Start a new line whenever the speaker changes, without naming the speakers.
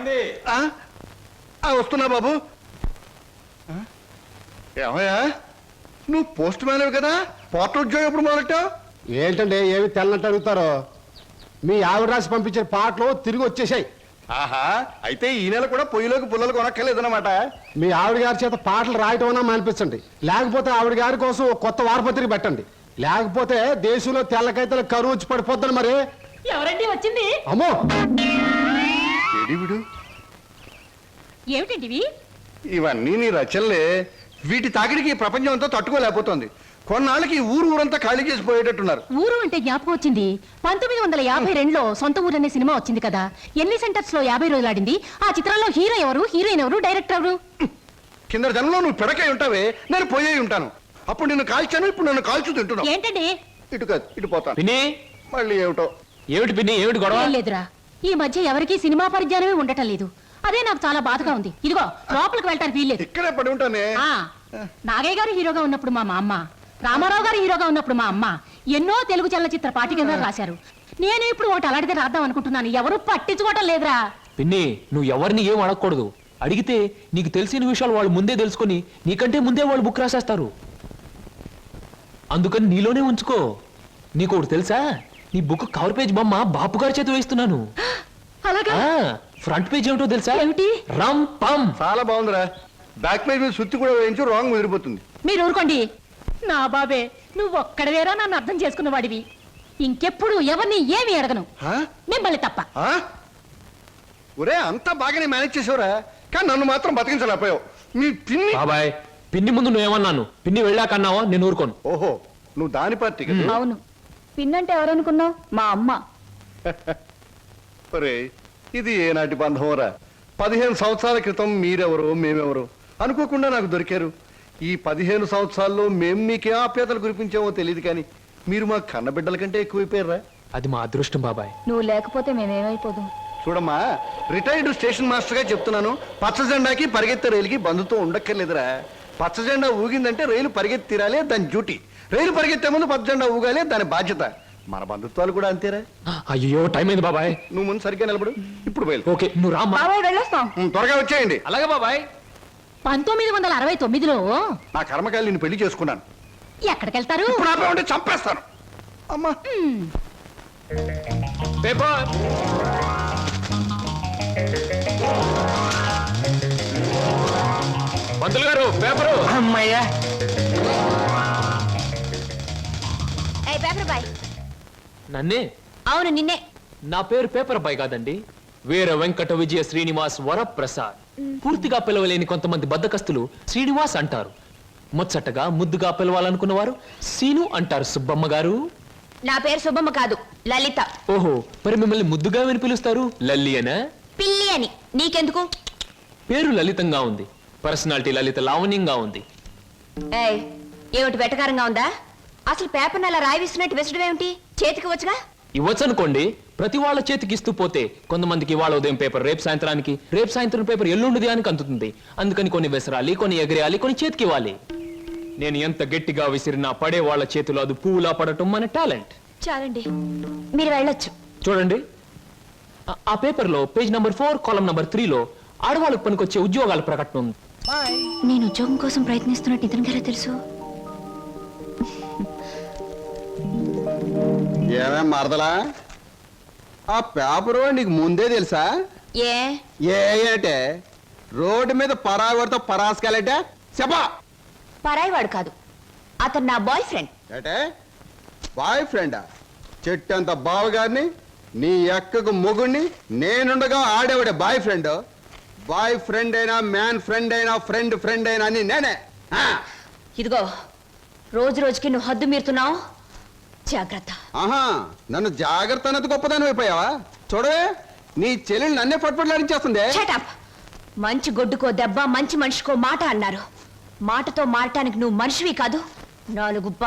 వస్తున్నా బాబు. ఏమయ్యా, నువ్వు పోస్ట్ మ్యాన్ కదా, పోర్టల్ ఉద్యోగం ఎప్పుడు మొదలెట్టావు?
ఏంటంటే ఏమి తెల్లనట్టు అడుగుతారో. మీ ఆవిడ రాసి పంపించిన పాటలు తిరిగి వచ్చేసాయి.
ఆహా, అయితే ఈ నెల కూడా పొయ్యిలోకి పుల్లలు కొనక్కర్లేదన్నమాట.
మీ ఆవిడ గారి చేత పాటలు రాయటం అన్నా మానిపించండి, లేకపోతే ఆవిడ గారి కోసం ఒక కొత్త వారపత్రిక పెట్టండి, లేకపోతే దేశంలో తెల్లకైతే కరువు వచ్చి పడిపోద్దని. మరి
ఎవరండి వచ్చింది?
అమ్మో,
ఏమిటండి
ఇవన్నీ నీ రచనలే. వీటి తాకిడికి ప్రపంచం అంతా తట్టుకోలేకపోతుంది. కొన్నాళ్ళకి ఊరంతా ఖాళీ చేసి పోయేటట్టున్నారు.
ఊరు అంటే జ్ఞాపకం వచ్చింది. 1952లో సొంత ఊరు అనే సినిమా వచ్చింది కదా. ఎన్ని సెంటర్స్ లో 50 రోజులు ఆడింది. ఆ చిత్రంలో హీరో ఎవరు, హీరోయిన్ ఎవరు, డైరెక్టర్ ఎవరు?
కింద జనంలో నువ్వు పిడకై ఉంటావే, నేను పోయే ఉంటాను. అప్పుడు నిన్ను కాల్చాను, ఇప్పుడు నన్ను కాల్చు తింటున్నావు.
ఏంటండి?
ఇటు కాదు, ఇటు పోతాను. మళ్ళీ ఏమిటో.
ఏమిటి పిన్ని, ఏమిటి గొడవ?
లేదురా, ఈ మధ్య ఎవరికి సినిమా పరిజ్ఞానమే ఉండటం లేదు. అదే నాకు చాలా బాధగా ఉంది. ఇదిగో లోపలికి వెళ్ళటానికి వీల్లేదు.
ఇక్కడే పడి ఉంటానే.
నాగయ్య గారు హీరోగా ఉన్నప్పుడు మా అమ్మ, రామారావు గారు హీరోగా ఉన్నప్పుడు మా అమ్మ ఎన్నో తెలుగు చలనచిత్ర పాఠ్యగ్రంథాలు రాశారు. నేను ఇప్పుడు ఒకటి అలాంటిదే రాద్దాం అనుకుంటున్నాను. ఎవరు పట్టించుకోవటం లేదురా.
పిన్ని, నువ్వు ఎవరిని ఏం అడగకూడదు. అడిగితే నీకు తెలిసిన విషయాలు వాళ్ళు ముందే తెలుసుకొని నీకంటే ముందే వాళ్ళు బుక్ రాసేస్తారు. అందుకని నీలోనే ఉంచుకో. నీకు ఒకటి తెలుసా, నీ బుక్ కవర్ పేజ్ బొమ్మ బాపు గారి చేతి వేస్తున్నాను. ఫ్రంట్ పేజ్ ఏమిటో తెలుసా?
ఏమిటి?
రమ్ పమ్.
చాలా బాగుందిరా. బ్యాక్ పేజ్ మీద సుత్తి కూడా వేయించు, రాంగ్ ముదిరిపోతుంది.
మీరు ఊరుకోండి. నా బాబే, నువ్వు ఒక్కడవేరా నన్ను అర్థం చేసుకున్న వాడివి. ఇంకెప్పుడు ఎవరిని ఏమి అడగను, మిమ్మల్ని తప్ప.
ఒరే, అంతా బాగానే మేనేజ్ చేసావురా, కానీ నన్ను మాత్రం బతికించలేకపోయావు. మీ పిన్ని.
బాబాయ్, పిన్ని ముందు నువ్వేమన్నాను, పిన్ని వెళ్ళాకన్నావా? నేను ఊరుకోను.
ఓహో, నువ్వు దాని పార్టీ కదా.
అవును, పిన్నంటే ఎవరనుకున్నావు? మా అమ్మ.
ఒరే, ఇది ఏనాటి బంధంరా. 15 సంవత్సరాల క్రితం మీరెవరో మేమెవరో అనుకోకుండా నాకు దొరికారు. ఈ 15 సంవత్సరాల్లో మేము మీకే ఆప్యాతలు కురిపించామో తెలియదు, కానీ మీరు మా కన్నబిడ్డల కంటే ఎక్కువైపోయారా.
అది మా అదృష్టం బాబాయ్.
నువ్వు లేకపోతే మేమేమైపోదు.
చూడమ్మా, రిటైర్డ్ స్టేషన్ మాస్టర్ గా చెప్తున్నాను, పచ్చ జెండాకి పరిగెత్తే రైలుకి బంధుతో ఉండక్కర్లేదురా. పచ్చ జెండా ఊగిందంటే రైలు పరిగెత్తి తీరాలే, దాని డ్యూటీ. రైలు పరిగెత్తే ముందు పచ్చ జెండా ఊగాలే, దాని బాధ్యత. మన బంధుత్వాలు కూడా అంతేరా.
అయ్యో, టైం అయింది బాబాయ్.
నువ్వు ముందు సరిగ్గా నిలబడు. ఇప్పుడు బయలు.
ఓకే, నువ్వు రామ్మా.
త్వరగా వచ్చేయండి.
అలాగే బాబాయ్.
1969లో
నా కర్మకాయలు నిన్ను పెళ్లి చేసుకున్నాను.
ఎక్కడికెళ్తారు?
ఇప్పుడు ఆపే ఉంటే చంపేస్తాను. అమ్మా,
పేపర్. పంతులు గారు, పేపరు.
అమ్మయ్యా.
నన్నే?
అవును, నిన్నే.
నా పేరు పేపర్ బాయ్ కాదండి, వీర వెంకట విజయ శ్రీనివాస్ వరప్రసాద్. పూర్తిగా పిలవలేని కొంతమంది బద్దకస్తులు శ్రీనివాస్ అంటారు. ముచ్చటగా ముద్దుగా పిలవాలనుకున్నవారు సీను అంటారు. సుబ్బమ్మ గారు.
నా పేరు సుబ్బమ్మ కాదు, లలిత.
ఓహో, మరి మిమ్మల్ని ముద్దుగా విని పిలుస్తారు లల్లి అనా?
పిల్లి అని. నీకెందుకు?
పేరు లలితంగా ఉంది, పర్సనాలిటీ లలిత లావణ్యంగా ఉంది.
ఏమిటి వెటకారంగా ఉందా? అసలు పేపర్ అలా రాయిస్తున్నట్టు విసడం ఏమిటి? చేతికి వచ్చుగా.
ఇవ్వచ్చనుకోండి, ప్రతి వాళ్ళ చేతికి ఇస్తూ పోతే కొంతమందికి ఇవాళ ఉదయం పేపర్ రేపు సాయంత్రానికి, రేపు సాయంత్రం పేపర్ ఎల్లుండిది అని అందుతుంది. అందుకని కొన్ని విసరాలి, కొన్ని ఎగరేయాలి, కొన్ని చేతికి ఇవ్వాలి. నేను ఎంత గట్టిగా విసిరినా పడే వాళ్ళ చేతిలో అది పువ్వులా పడటం మన టాలెంట్.
చాలండి, మీరు వెళ్ళొచ్చు.
చూడండి, ఆ పేపర్ లో పేజ్ నంబర్ 4 కాలం నంబర్ 3లో ఆడవాళ్ళకు పనికొచ్చే ఉద్యోగాల ప్రకటన ఉంది.
నేను ఉద్యోగం కోసం ప్రయత్నిస్తున్నట్టు ఇతనికి ఎలా తెలుసు?
ఏమే మరదలా, ఆ పేపరు నీకు ముందే తెలుసా? ఏంటే రోడ్డు మీద పరాయివాడితో పరాసుకెళ్ళటే చెప్పా.
పరాయివాడు కాదు, అతను నా బాయ్ ఫ్రెండ్.
అంటే బాయ్ ఫ్రెండా? చెట్టంత బావగారిని, నీ ఎక్కకు మొగుడిని, నేనుండగా ఆడేవాడే బాయ్ ఫ్రెండ్. బాయ్ ఫ్రెండ్ అయినా, మ్యాన్ ఫ్రెండ్ అయినా, ఫ్రెండ్ అయినా అని నేనే.
ఇదిగో, రోజు రోజుకి నువ్వు హద్దు మీరుతున్నావు, జాగ్రత్త.
ఆహా, నన్ను జాగ్రత్త అన్నది గొప్పదాని అయిపోయావా? చూడవే, నీ చెల్లెలు నన్నే పట్టుపట్లాడించేస్తుంది.
మంచి గొడ్డుకో దెబ్బ, మంచి మనిషికో మాట అన్నారు. మాటతో మారటానికి నువ్వు మనిషివి కాదు. 4